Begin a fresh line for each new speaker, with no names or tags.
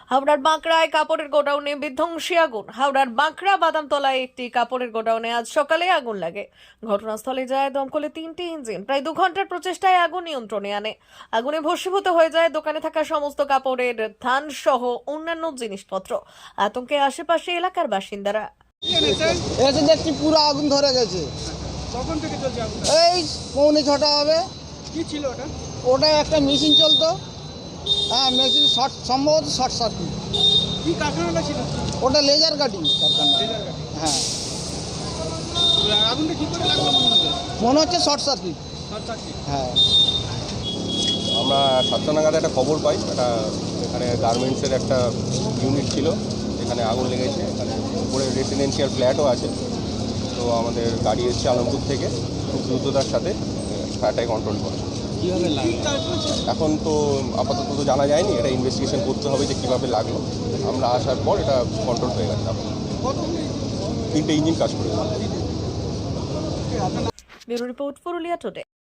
হাওড়ার বাঁকড়ায় কাপড়ের গোডাউনে বিধ্বংসী আগুন। হাওড়ার বাঁকড়া বাদামতলায় একটি কাপড়ের গোডাউনে আজ সকালে আগুন লাগে। ঘটনাস্থলে যায় দমকলে 3টি ইঞ্জিন। প্রায় 2 ঘন্টার প্রচেষ্টায় আগুন নিয়ন্ত্রণে আনে। আগুনে ভস্মীভূত হয়ে যায় দোকানে থাকা সমস্ত কাপড়ের থান সহ অন্যান্য জিনিসপত্র। আতঙ্কে আশেপাশে এলাকার বাসিন্দারা।
এসে দেখছি পুরো আগুন ধরে গেছে।
কখন থেকে চলছে আগুন?
এই 6:45 হবে।
কি ছিল ওটা?
ওটা একটা মেশিন চলতো। হ্যাঁ, মেশিন সম্ভবত শর্ট সার্কিট।
কি কারখানাটা ছিল?
ওটা লেজার কাটিং কারখানা।
Laser cutting.
হ্যাঁ,
আগুনটা কি করে লাগলো
মনে হচ্ছে শর্ট সার্কিট।
Short circuit.
হ্যাঁ,
আমরা 7টা নাগাদ একটা খবর পাই, একটা এখানে গার্মেন্টসের একটা ইউনিট ছিল, এখানে আগুন লেগেছে। এখানে উপরে রেসিডেন্সিয়াল ফ্ল্যাটও আছে। তো আমাদের গাড়ি এসছে আলমপুর থেকে, খুব দ্রুততার সাথে ফায়ারটাকে কন্ট্রোল করে।
কীভাবে লাগলো?
এখন তো আপাতত তো জানা যায়নি, এটা ইনভেস্টিগেশন করতে হবে যে কীভাবে লাগলো। আমরা আসার পর এটা কন্ট্রোল হয়ে গেছে। 3টে ইঞ্জিন কাজ করে।
Bureau report, Purulia today.